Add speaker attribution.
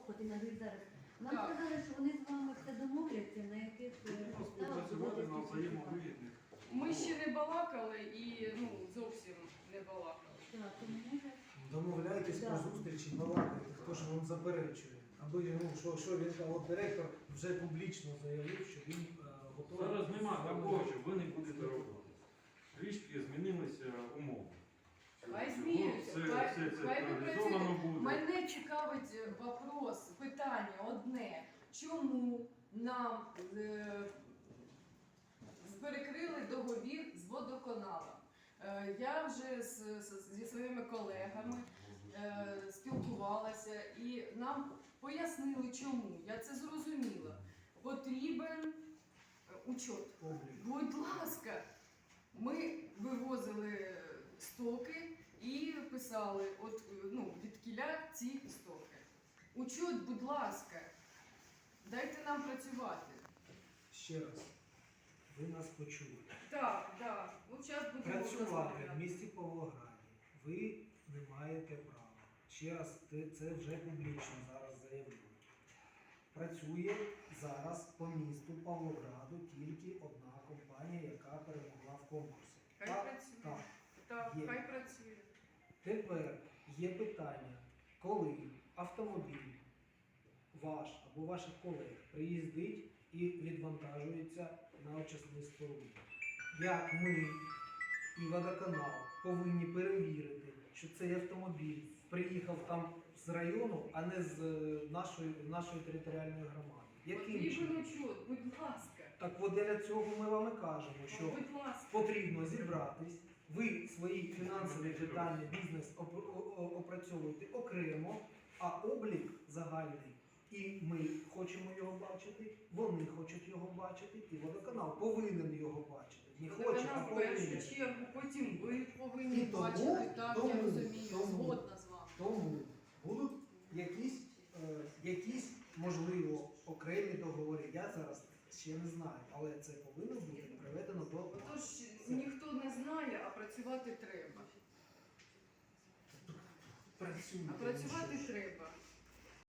Speaker 1: от і навіть зараз. Нам
Speaker 2: Так.
Speaker 1: сказали, що вони з вами все домовляться, на яких підставах
Speaker 3: Співпрацювати на
Speaker 1: будуть
Speaker 3: взаємовигідних.
Speaker 2: Ми ще не балакали і зовсім не балакали.
Speaker 1: Так, тому може.
Speaker 4: Домовляйтесь
Speaker 1: Да.
Speaker 4: про зустрічі, балакайте, хто ж вам заперечує. Аби що він от директор вже публічно заявив, що він готовий.
Speaker 3: Зараз нема такого, що ви не будете робити. Трішки змінилися умови.
Speaker 2: Хай
Speaker 3: Все
Speaker 2: змінюються,
Speaker 3: це
Speaker 2: хай ви
Speaker 3: реалізовано
Speaker 2: працюєте.
Speaker 3: буде.
Speaker 2: Мене цікавить вопрос, питання одне. Чому нам перекрили договір з водоканалом? Я вже зі своїми колегами спілкувалася і нам пояснили, чому. Я це зрозуміла. Потрібен учет.
Speaker 4: Облік.
Speaker 2: Будь ласка, ми вивозили стоки і писали від кіля ці стоки. Учет, будь ласка, дайте нам працювати.
Speaker 4: Ще раз, ви нас почули.
Speaker 2: Так, так. Зараз будемо
Speaker 4: Працювати в
Speaker 2: розмовляти.
Speaker 4: місті Павлограді ви не маєте права. Ще раз, це вже публічно зараз заявили. Працює зараз по місту Павлограду тільки одна компанія, яка перемогла в конкурсі.
Speaker 2: Хай
Speaker 4: Так,
Speaker 2: працює.
Speaker 4: так.
Speaker 2: Так,
Speaker 4: Є.
Speaker 2: хай працює.
Speaker 4: Тепер є питання, коли автомобіль ваш або ваших колег приїздить і відвантажується на очисні споруди. Як ми і водоканал повинні перевірити, що цей автомобіль приїхав там з району, а не з нашої територіальної громади. Яким
Speaker 2: Потрібен
Speaker 4: чином?
Speaker 2: учет, будь ласка.
Speaker 4: Так от для цього ми вам і кажемо, що
Speaker 2: Будь ласка.
Speaker 4: потрібно зібратись, ви свої фінансові питання, бізнес опрацьовуєте окремо, а облік загальний, і ми хочемо його бачити, вони хочуть його бачити, і водоканал повинен його бачити. Не хоче, а
Speaker 2: Вона в першу
Speaker 4: повинен.
Speaker 2: чергу, потім ви повинні
Speaker 4: І тому-
Speaker 2: бачити. Так, я
Speaker 4: тому-
Speaker 2: розумію,
Speaker 4: тому-
Speaker 2: згодна з вами.
Speaker 4: Тому будуть якісь, можливо, окремі договори. Я зараз ще не знаю, але це повинно бути приведено до
Speaker 2: Тож ніхто не знає, а працювати треба.
Speaker 4: працювати.
Speaker 2: А працювати треба.